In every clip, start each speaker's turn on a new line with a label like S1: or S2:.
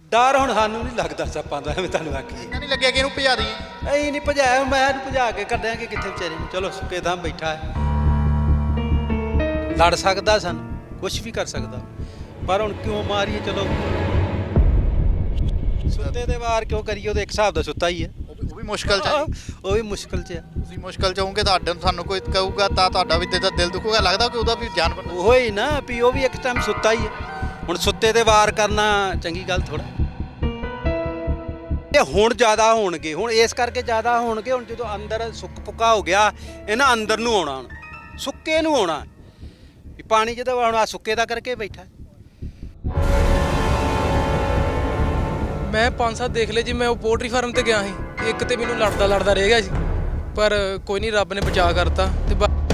S1: ਡਰ ਹੁਣ ਸਾਨੂੰ ਨਹੀਂ ਲੱਗਦਾ ਸੱਪਾਂ ਦਾ, ਐਵੇਂ ਤੁਹਾਨੂੰ ਆਖੀ
S2: ਇੰਨਾ ਨਹੀਂ ਲੱਗਿਆ ਕਿ ਇਹਨੂੰ ਭਜਾ ਦਈਏ?
S1: ਅਸੀਂ ਨਹੀਂ ਭਜਾਇਆ, ਮੈਂ ਇਹਨੂੰ ਭਜਾ ਕੇ ਕੱਢਾਂਗੇ ਕਿੱਥੇ ਵਿਚਾਰੇ ਨੂੰ। ਚਲੋ ਸੁੱਕੇ ਥਾਂ ਬੈਠਾ ਹੈ, ਲੜ ਸਕਦਾ ਸਾਨੂੰ, ਕੁਝ ਵੀ ਕਰ ਸਕਦਾ, ਪਰ ਹੁਣ ਕਿਉਂ ਮਾਰੀਏ? ਚਲੋ ਸੁੱਤੇ ਦੇ ਵਾਰ ਕਿਉਂ ਕਰੀਏ? ਉਹਦੇ ਇੱਕ ਹਿਸਾਬ ਦਾ ਸੁੱਤਾ ਹੀ ਹੈ,
S2: ਉਹ ਵੀ ਮੁਸ਼ਕਲ 'ਚ ਹੈ ਜੀ।
S1: ਉਹ ਵੀ ਮੁਸ਼ਕਲ 'ਚ ਹੈ।
S2: ਤੁਸੀਂ ਮੁਸ਼ਕਲ 'ਚ ਹੋਵੋਗੇ, ਸਾਨੂੰ ਕੋਈ ਕਹੂਗਾ ਤਾਂ ਤੁਹਾਡਾ ਵੀ ਦਿਲ ਦੁਖੂਗਾ। ਲੱਗਦਾ ਕਿ ਉਹਦਾ ਵੀ ਜਾਨਵਰ
S1: ਉਹ ਹੀ ਨਾ ਵੀ ਉਹ ਵੀ ਇੱਕ ਟਾਈਮ ਸੁੱਤਾ ਹੀ ਹੈ। ਹੁਣ ਸੁੱਤੇ ਤੇ ਵਾਰ ਕਰਨਾ ਚੰਗੀ ਗੱਲ ਥੋੜਾ। ਇਹ ਹੁਣ ਜ਼ਿਆਦਾ ਹੋਣਗੇ, ਹੁਣ ਇਸ ਕਰਕੇ ਜ਼ਿਆਦਾ ਹੋਣਗੇ। ਹੁਣ ਜਦੋਂ ਅੰਦਰ ਸੁੱਕ ਪੁੱਕਾ ਹੋ ਗਿਆ, ਇਹਨਾਂ ਅੰਦਰ ਨੂੰ ਆਉਣਾ, ਹੁਣ ਸੁੱਕੇ ਨੂੰ ਆਉਣਾ ਵੀ ਪਾਣੀ ਜਦੋਂ ਹੁਣ ਆ ਸੁੱਕੇ ਦਾ ਕਰਕੇ ਬੈਠਾ।
S3: ਮੈਂ 5-7 ਦੇਖ ਲਏ ਜੀ। ਮੈਂ ਉਹ ਪੋਲਟਰੀ ਫਾਰਮ ਤੇ ਗਿਆ ਸੀ, ਇੱਕ ਤੇ ਮੈਨੂੰ ਲੜਦਾ ਰਹਿ ਗਿਆ ਜੀ, ਪਰ ਕੋਈ ਨਹੀਂ, ਰੱਬ ਨੇ ਬਚਾ ਕਰਤਾ। ਤੇ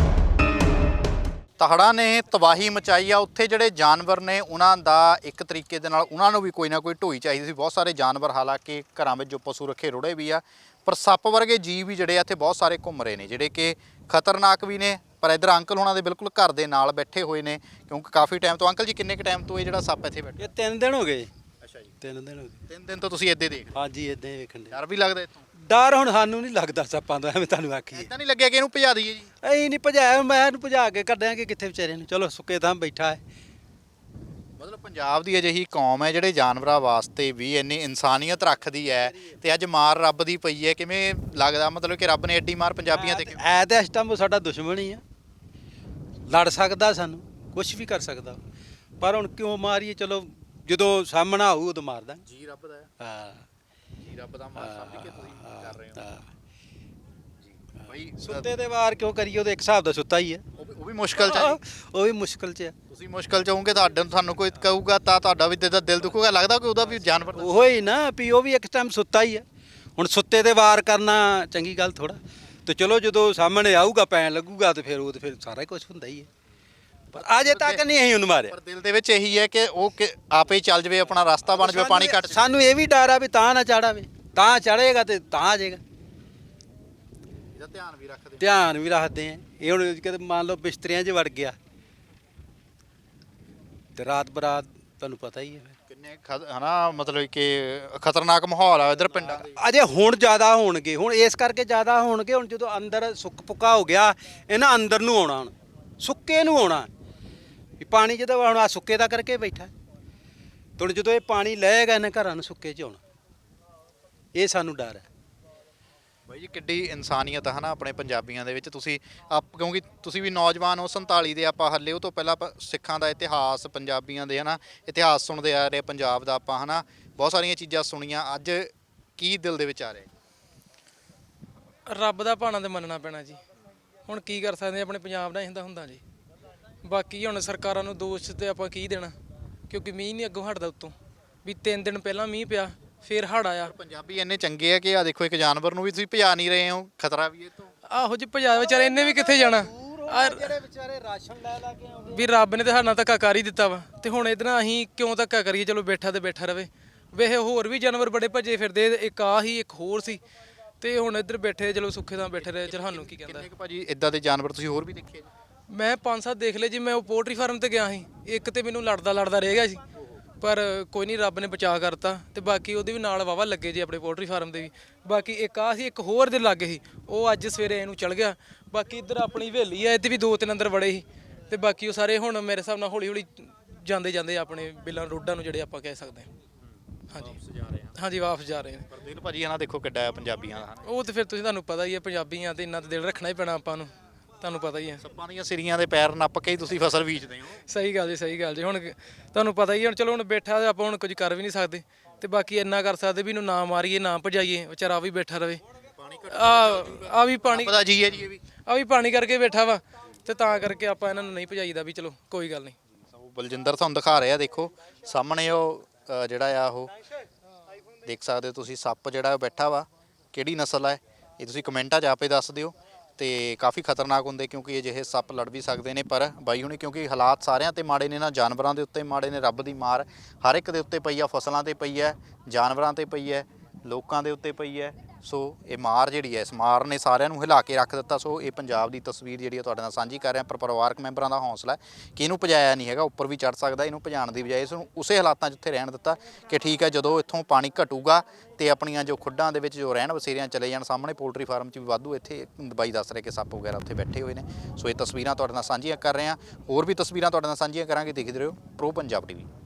S2: ਤਹੜਾਂ ਨੇ ਤਬਾਹੀ ਮਚਾਈ ਆ। ਉੱਥੇ ਜਿਹੜੇ ਜਾਨਵਰ ਨੇ ਉਹਨਾਂ ਦਾ ਇੱਕ ਤਰੀਕੇ ਦੇ ਨਾਲ ਉਹਨਾਂ ਨੂੰ ਵੀ ਕੋਈ ਨਾ ਕੋਈ ਢੋਈ ਚਾਹੀਦੀ ਸੀ। ਬਹੁਤ ਸਾਰੇ ਜਾਨਵਰ ਹਾਲਾਂਕਿ ਘਰਾਂ ਵਿੱਚ ਜੋ ਪਸ਼ੂ ਰੱਖੇ ਰੁੜੇ ਵੀ ਆ, ਪਰ ਸੱਪ ਵਰਗੇ ਜੀਵ ਵੀ ਜਿਹੜੇ ਆ ਇੱਥੇ ਬਹੁਤ ਸਾਰੇ ਘੁੰਮ ਰਹੇ ਨੇ, ਜਿਹੜੇ ਕਿ ਖਤਰਨਾਕ ਵੀ ਨੇ। ਪਰ ਇੱਧਰ ਅੰਕਲ ਹੋਣਾ ਦੇ ਬਿਲਕੁਲ ਘਰ ਦੇ ਨਾਲ ਬੈਠੇ ਹੋਏ ਨੇ, ਕਿਉਂਕਿ ਕਾਫੀ ਟਾਈਮ ਤੋਂ। ਅੰਕਲ ਜੀ, ਕਿੰਨੇ ਕੁ ਟਾਈਮ ਤੋਂ ਇਹ ਜਿਹੜਾ ਸੱਪ ਇੱਥੇ ਬੈਠਾ?
S1: ਇਹ 3 ਦਿਨ ਹੋ ਗਏ।
S2: ਅੱਛਾ ਜੀ,
S1: 3 ਦਿਨ ਹੋ ਗਏ।
S2: 3 ਦਿਨ ਤੋਂ ਤੁਸੀਂ ਇੱਦਾਂ ਦੇਖ ਰਹੇ?
S1: ਹਾਂਜੀ, ਇਦਾਂ ਹੀ ਵੇਖਣ ਦੇ।
S2: ਡਰ ਵੀ ਲੱਗਦਾ ਇੱਥੋਂ?
S1: ਡਰ ਹੁਣ ਸਾਨੂੰ ਨਹੀਂ ਲੱਗਦਾ ਸੱਪਾਂ ਦਾ, ਐਵੇਂ ਤੁਹਾਨੂੰ ਆਖੀ
S2: ਇੱਦਾਂ ਨਹੀਂ ਲੱਗਿਆ ਕਿ ਇਹਨੂੰ ਭਜਾ ਦਈਏ ਜੀ?
S1: ਅਸੀਂ ਨਹੀਂ ਭਜਾਇਆ, ਮੈਂ ਇਹਨੂੰ ਭਜਾ ਕੇ ਕੱਢਾਂਗੇ ਕਿੱਥੇ ਵਿਚਾਰੇ ਨੂੰ। ਚਲੋ ਸੁੱਕੇ ਥਾਂ ਬੈਠਾ ਹੈ।
S2: ਮਤਲਬ ਪੰਜਾਬ ਦੀ ਅਜਿਹੀ ਕੌਮ ਹੈ ਜਿਹੜੇ ਜਾਨਵਰਾਂ ਵਾਸਤੇ ਵੀ ਇੰਨੀ ਇਨਸਾਨੀਅਤ ਰੱਖਦੀ ਹੈ, ਤੇ ਅੱਜ ਮਾਰ ਰੱਬ ਦੀ ਪਈ ਹੈ। ਕਿਵੇਂ ਲੱਗਦਾ, ਮਤਲਬ ਕਿ ਰੱਬ ਨੇ ਐਡੀ ਮਾਰ ਪੰਜਾਬੀਆਂ ਤੇ ਕਿਉਂ?
S1: ਹੈ ਤਾਂ ਇਸ ਟਾਈਮ ਉਹ ਸਾਡਾ ਦੁਸ਼ਮਣ ਹੀ ਆ, ਲੜ ਸਕਦਾ ਸਾਨੂੰ, ਕੁਝ ਵੀ ਕਰ ਸਕਦਾ, ਪਰ ਹੁਣ ਕਿਉਂ ਮਾਰੀਏ? ਚਲੋ ਜਦੋਂ ਸਾਹਮਣਾ ਆਊ ਉਦੋਂ ਮਾਰਦਾ।
S2: ਜੀ ਰੱਬ ਦਾ ਹੈ।
S1: ਹਾਂ,
S2: ਜੀ ਰੱਬ ਦਾ ਮਾਰ ਸਮਝ ਕੇ ਤੁਸੀਂ ਕਰ ਰਹੇ ਹੋ
S1: ਹਾਂ।
S2: ਜੀ ਭਾਈ।
S1: ਸੁੱਤੇ ਦੇ ਵਾਰ ਕਿਉਂ ਕਰੀਏ? ਉਹਦੇ ਇੱਕ ਹਿਸਾਬ ਦਾ ਸੁੱਤਾ ਹੀ ਹੈ,
S2: ਉਹ ਵੀ ਮੁਸ਼ਕਲ 'ਚ ਹੈ ਜੀ।
S1: ਉਹ ਵੀ ਮੁਸ਼ਕਲ 'ਚ ਹੈ।
S2: ਤੁਸੀਂ ਮੁਸ਼ਕਲ 'ਚ ਹੋਵੋਗੇ, ਤੁਹਾਨੂੰ ਕੋਈ ਕਹੂਗਾ ਤਾਂ ਤੁਹਾਡਾ ਵੀ ਦਿਲ ਦੁਖੂਗਾ। ਲੱਗਦਾ ਕਿ ਉਹਦਾ ਵੀ ਜਾਨਵਰ
S1: ਉਹ ਹੀ ਨਾ ਵੀ ਉਹ ਵੀ ਇੱਕ ਟਾਈਮ ਸੁੱਤਾ ਹੀ ਹੈ। ਹੁਣ ਸੁੱਤੇ ਦੇ ਵਾਰ ਕਰਨਾ ਚੰਗੀ ਗੱਲ ਥੋੜਾ। ਤੇ ਚਲੋ ਜਦੋਂ ਸਾਹਮਣੇ ਆਊਗਾ, ਪੈਣ ਲੱਗੂਗਾ, ਤੇ ਫਿਰ ਸਾਰਾ ਹੀ ਕੁਝ ਹੁੰਦਾ ਹੀ ਹੈ। ਪਰ ਅਜੇ ਤੱਕ ਨਹੀਂ ਅਸੀਂ ਉਹਨੂੰ ਮਾਰਿਆ।
S2: ਪਰ ਦਿਲ ਦੇ ਵਿੱਚ ਇਹੀ ਹੈ ਕਿ ਉਹ ਆਪੇ ਹੀ ਚੱਲ ਜਾਵੇ, ਆਪਣਾ ਰਸਤਾ ਬਣ ਜਾਵੇ, ਪਾਣੀ ਘੱਟ ਜਾਵੇ।
S1: ਸਾਨੂੰ ਇਹ ਵੀ ਡਰ ਆ ਵੀ ਤਾਂ ਨਾ ਚੜਾਵੇ, ਤਾਂ ਚੜੇਗਾ ਤੇ ਤਾਂ ਆ ਜਾਏਗਾ।
S2: ਇਹਦਾ ਧਿਆਨ ਵੀ ਰੱਖਦੇ
S1: ਧਿਆਨ ਵੀ ਰੱਖਦੇ ਆ। ਇਹ ਹੁਣ ਕਿਤੇ ਮੰਨ ਲਓ ਬਿਸਤਰਿਆਂ 'ਚ ਵੜ ਗਿਆ ਤੇ ਰਾਤ ਬਰਾਤ ਤੁਹਾਨੂੰ ਪਤਾ ਹੀ ਹੈ।
S2: ਕਿੰਨੇ ਹਨਾ, ਮਤਲਬ ਕਿ ਖਤਰਨਾਕ ਮਾਹੌਲ ਆ ਇਧਰ ਪਿੰਡਾਂ ਦੇ।
S1: ਅਜੇ ਹੁਣ ਜ਼ਿਆਦਾ ਹੋਣਗੇ, ਹੁਣ ਇਸ ਕਰਕੇ ਜ਼ਿਆਦਾ ਹੋਣਗੇ। ਹੁਣ ਜਦੋਂ ਅੰਦਰ ਸੁੱਕ ਪੁੱਕਾ ਹੋ ਗਿਆ, ਇਹਨਾਂ ਅੰਦਰ ਨੂੰ ਆਉਣਾ, ਹੁਣ ਸੁੱਕੇ ਨੂੰ ਆਉਣਾ ਵੀ ਪਾਣੀ ਜਦੋਂ ਹੁਣ ਆ ਸੁੱਕੇ ਦਾ ਕਰਕੇ ਬੈਠਾ। ਤੇ ਹੁਣ ਜਦੋਂ ਇਹ ਪਾਣੀ ਲਏਗਾ, ਇਹਨਾਂ ਘਰਾਂ ਨੂੰ ਸੁੱਕੇ 'ਚ ਆਉਣਾ। ਇਹ ਸਾਨੂੰ ਡਰ ਹੈ।
S2: ਬਾਈ ਜੀ, ਕਿੱਡੀ ਇਨਸਾਨੀਅਤ ਹੈ ਨਾ ਆਪਣੇ ਪੰਜਾਬੀਆਂ ਦੇ ਵਿੱਚ। ਤੁਸੀਂ ਕਿਉਂਕਿ ਤੁਸੀਂ ਵੀ ਨੌਜਵਾਨ ਹੋ, 47 ਦੇ ਆਪਾਂ ਹੱਲੇ। ਉਹ ਤੋਂ ਪਹਿਲਾਂ ਸਿੱਖਾਂ ਦਾ ਇਤਿਹਾਸ, ਪੰਜਾਬੀਆਂ ਦੇ ਹਨਾ ਇਤਿਹਾਸ ਸੁਣਦੇ ਆ ਰਹੇ, ਪੰਜਾਬ ਦਾ ਆਪਾਂ ਹਨਾ ਬਹੁਤ ਸਾਰੀਆਂ ਚੀਜ਼ਾਂ ਸੁਣੀਆਂ। ਅੱਜ ਕੀ ਦਿਲ ਦੇ ਵਿੱਚ ਆ ਰਿਹਾ?
S3: ਰੱਬ ਦਾ ਭਾਣਾ ਤੇ ਮੰਨਣਾ ਪੈਣਾ ਜੀ। ਹੁਣ ਕੀ ਕਰ ਸਕਦੇ, ਆਪਣੇ ਪੰਜਾਬ ਦਾ ਹੁੰਦਾ ਜੀ। ਬਾਕੀ ਹੁਣ ਸਰਕਾਰਾਂ ਨੂੰ ਦੋਸ਼ ਤੇ ਆਪਾਂ ਕੀ ਦੇਣਾ, ਕਿਉਂਕਿ ਮੀਂਹ ਨਹੀਂ ਅੱਗੋਂ ਹਟਦਾ ਉੱਤੋਂ। ਵੀ 3 ਦਿਨ ਪਹਿਲਾਂ ਮੀਂਹ ਪਿਆ, ਫਿਰ ਹੜ੍ਹ ਆਇਆ।
S2: ਪੰਜਾਬੀ ਇੰਨੇ ਚੰਗੇ ਆ ਕਿ ਆ ਦੇਖੋ, ਇੱਕ ਜਾਨਵਰ ਨੂੰ ਵੀ ਤੁਸੀਂ ਭਜਾ ਨਹੀਂ ਰਹੇ ਹੋ, ਖਤਰਾ ਵੀ ਇਹ ਤੋਂ।
S3: ਆਹੋ ਜੀ, ਪੰਜਾਬ ਵਿਚਾਰੇ ਇਹਨੇ ਵੀ ਕਿੱਥੇ ਜਾਣਾ।
S1: ਜਿਹੜੇ ਵਿਚਾਰੇ ਰਾਸ਼ਨ ਲੈ ਕੇ ਆਉਂਦੇ
S3: ਵੀ ਰੱਬ ਨੇ ਤੇ ਸਾਡੇ ਨਾਲ ਧੱਕਾ ਕਰ ਹੀ ਦਿੱਤਾ ਵਾ, ਤੇ ਹੁਣ ਇਹਦੇ ਨਾਲ ਅਸੀਂ ਕਿਉਂ ਧੱਕਾ ਕਰੀਏ? ਚਲੋ ਬੈਠਾ ਤੇ ਬੈਠਾ ਰਵੇ। ਵੇਖੇ ਹੋਰ ਵੀ ਜਾਨਵਰ ਬੜੇ ਭੱਜੇ ਫਿਰਦੇ, ਇੱਕ ਆ ਹੀ ਇੱਕ ਹੋਰ ਸੀ, ਤੇ ਹੁਣ ਇੱਧਰ ਬੈਠੇ, ਚਲੋ ਸੁੱਖੇ ਤਾਂ ਬੈਠੇ ਰਹੇ। ਚਲ ਸਾਨੂੰ ਕੀ ਕਹਿੰਦਾ।
S2: ਕਿੰਨੇ ਕੁ ਭਾਜੀ ਇਦਾਂ ਦੇ ਜਾਨਵਰ ਤੁਸੀਂ ਹੋਰ ਵੀ ਦੇਖੇ?
S3: ਮੈਂ 5-7 ਦੇਖ ਲਏ ਜੀ। ਮੈਂ ਉਹ ਪੋਲਟਰੀ ਫਾਰਮ ਤੇ ਗਿਆ ਸੀ, ਇੱਕ ਤੇ ਮੈਨੂੰ ਲੜਦਾ ਰਹਿ ਗਿਆ ਸੀ, ਪਰ ਕੋਈ ਨਹੀਂ, ਰੱਬ ਨੇ ਬਚਾ ਕਰਤਾ। ਤੇ ਬਾਕੀ ਉਹਦੇ ਵੀ ਨਾਲ ਵਾਵਾ ਲੱਗੇ ਜੀ, ਆਪਣੇ ਪੋਲਟਰੀ ਫਾਰਮ ਦੇ ਵੀ। ਬਾਕੀ ਇੱਕ ਆ ਸੀ, ਇੱਕ ਹੋਰ ਦੇ ਲਾਗੇ ਸੀ, ਉਹ ਅੱਜ ਸਵੇਰੇ ਇਹਨੂੰ ਚਲ ਗਿਆ। ਬਾਕੀ ਇੱਧਰ ਆਪਣੀ ਹਵੇਲੀ ਆ, ਇੱਥੇ ਵੀ 2-3 ਅੰਦਰ ਵੜੇ ਸੀ, ਤੇ ਬਾਕੀ ਉਹ ਸਾਰੇ ਹੁਣ ਮੇਰੇ ਹਿਸਾਬ ਨਾਲ ਹੌਲੀ ਜਾਂਦੇ ਆਪਣੇ ਬਿੱਲਾਂ ਰੋਡਾਂ ਨੂੰ, ਜਿਹੜੇ ਆਪਾਂ ਕਹਿ ਸਕਦੇ ਹਾਂ। ਹਾਂਜੀ, ਵਾਪਸ ਜਾ ਰਹੇ ਨੇ।
S2: ਪਰ ਦਿਲ ਭਾਜੀ ਇਹਨਾਂ ਦੇਖੋ ਕਿੱਡਾ ਆ ਪੰਜਾਬੀਆਂ ਦਾ।
S3: ਉਹ ਤੇ ਫਿਰ ਤੁਹਾਨੂੰ ਪਤਾ ਹੀ ਹੈ, ਪੰਜਾਬੀ ਆ ਤੇ ਇੰਨਾ ਤਾਂ ਦਿਲ ਰੱਖਣਾ ਹੀ ਪੈਣਾ ਆਪਾਂ ਨੂੰ, ਤੁਹਾਨੂੰ ਪਤਾ ਹੀ ਹੈ।
S2: ਸੱਪਾਂ ਦੀਆਂ ਸਿਰੀਆਂ ਦੇ ਪੈਰ ਨੱਪ ਕੇ ਹੀ ਤੁਸੀਂ ਫਸਲ ਬੀਜਦੇ ਹੋ।
S3: ਸਹੀ ਗੱਲ ਜੀ। ਹੁਣ ਤੁਹਾਨੂੰ ਪਤਾ ਹੀ, ਹੁਣ ਚਲੋ ਹੁਣ ਬੈਠਾ, ਆਪਾਂ ਹੁਣ ਕੁਝ ਕਰ ਵੀ ਨਹੀਂ ਸਕਦੇ। ਤੇ ਬਾਕੀ ਇੰਨਾ ਕਰ ਸਕਦੇ ਵੀ ਇਹਨੂੰ ਨਾ ਮਾਰੀਏ, ਨਾ ਭਜਾਈਏ, ਵਿਚਾਰਾ ਵੀ ਬੈਠਾ ਰਵੇ। ਆ ਵੀ ਪਾਣੀ
S2: ਪਤਾ ਜੀ ਹੈ ਜੀ, ਇਹ ਵੀ
S3: ਆ ਵੀ ਪਾਣੀ ਕਰਕੇ ਬੈਠਾ ਵਾ, ਤੇ ਤਾਂ ਕਰਕੇ ਆਪਾਂ ਇਹਨਾਂ ਨੂੰ ਨਹੀਂ ਭਜਾਈਦਾ। ਵੀ ਚਲੋ ਕੋਈ ਗੱਲ ਨਹੀਂ।
S2: ਬਲਜਿੰਦਰ ਤੁਹਾਨੂੰ ਦਿਖਾ ਰਿਹਾ, ਦੇਖੋ ਸਾਹਮਣੇ ਉਹ ਜਿਹੜਾ ਆ ਉਹ ਦੇਖ ਸਕਦੇ ਹੋ ਤੁਸੀਂ, ਸੱਪ ਜਿਹੜਾ ਬੈਠਾ ਵਾ। ਕਿਹੜੀ ਨਸਲ ਹੈ ਇਹ ਤੁਸੀਂ ਕਮੈਂਟਾਂ 'ਚ ਆਪੇ ਦੱਸ ਦਿਓ। ਤੇ ਕਾਫੀ ਖਤਰਨਾਕ ਹੁੰਦੇ, ਕਿਉਂਕਿ ਅਜਿਹੇ ਸੱਪ ਲੜ ਵੀ ਸਕਦੇ ਨੇ। ਪਰ ਬਾਈ ਹੁਣੀ, ਕਿਉਂਕਿ ਹਾਲਾਤ ਸਾਰਿਆਂ ਤੇ ਮਾੜੇ ਨੇ ਨਾ, ਜਾਨਵਰਾਂ ਦੇ ਉੱਤੇ ਮਾੜੇ ਨੇ। ਰੱਬ ਦੀ ਮਾਰ ਹਰ ਇੱਕ ਦੇ ਉੱਤੇ ਪਈ ਆ, ਫਸਲਾਂ ਤੇ ਪਈ ਹੈ, ਜਾਨਵਰਾਂ ਤੇ ਪਈ ਹੈ, ਲੋਕਾਂ ਦੇ ਉੱਤੇ ਪਈ ਹੈ। ਸੋ ਇਹ ਮਾਰ ਜਿਹੜੀ ਹੈ, ਇਸ ਮਾਰ ਨੇ ਸਾਰਿਆਂ ਨੂੰ ਹਿਲਾ ਕੇ ਰੱਖ ਦਿੱਤਾ। ਸੋ ਇਹ ਪੰਜਾਬ ਦੀ ਤਸਵੀਰ ਜਿਹੜੀ ਹੈ ਤੁਹਾਡੇ ਨਾਲ ਸਾਂਝੀ ਕਰ ਰਿਹਾ। ਪਰ ਪਰਿਵਾਰਕ ਮੈਂਬਰਾਂ ਦਾ ਹੌਸਲਾ ਕਿ ਇਹਨੂੰ ਭਜਾਇਆ ਨਹੀਂ ਹੈਗਾ, ਉੱਪਰ ਵੀ ਚੜ ਸਕਦਾ, ਇਹਨੂੰ ਭਜਾਉਣ ਦੀ ਬਜਾਏ ਇਸ ਨੂੰ ਉਸੇ ਹਾਲਾਤਾਂ 'ਚ ਉੱਥੇ ਰਹਿਣ ਦਿੱਤਾ ਕਿ ਠੀਕ ਹੈ ਜਦੋਂ ਇੱਥੋਂ ਪਾਣੀ ਘਟੂਗਾ ਤੇ ਆਪਣੀਆਂ ਜੋ ਖੁੱਡਾਂ ਦੇ ਵਿੱਚ ਜੋ ਰਹਿਣ ਵਸੇਰਿਆਂ ਚਲੇ ਜਾਣ। ਸਾਹਮਣੇ ਪੋਲਟਰੀ ਫਾਰਮ 'ਚ ਵੀ ਵਾਧੂ ਇੱਥੇ ਬਾਈ ਦੱਸ ਰਹੇ ਕਿ ਸੱਪ ਵਗੈਰਾ ਉੱਥੇ ਬੈਠੇ ਹੋਏ ਨੇ। ਸੋ ਇਹ ਤਸਵੀਰਾਂ ਤੁਹਾਡੇ ਨਾਲ ਸਾਂਝੀਆਂ ਕਰ ਰਹੇ ਹਾਂ। ਹੋਰ ਵੀ ਤਸਵੀਰਾਂ ਤੁਹਾਡੇ ਨਾਲ ਸਾਂਝੀਆਂ ਕਰਾਂਗੇ। ਦੇਖਦੇ ਰਹੋ ਪ੍ਰੋ ਪੰਜਾਬ ਟੀਵੀ।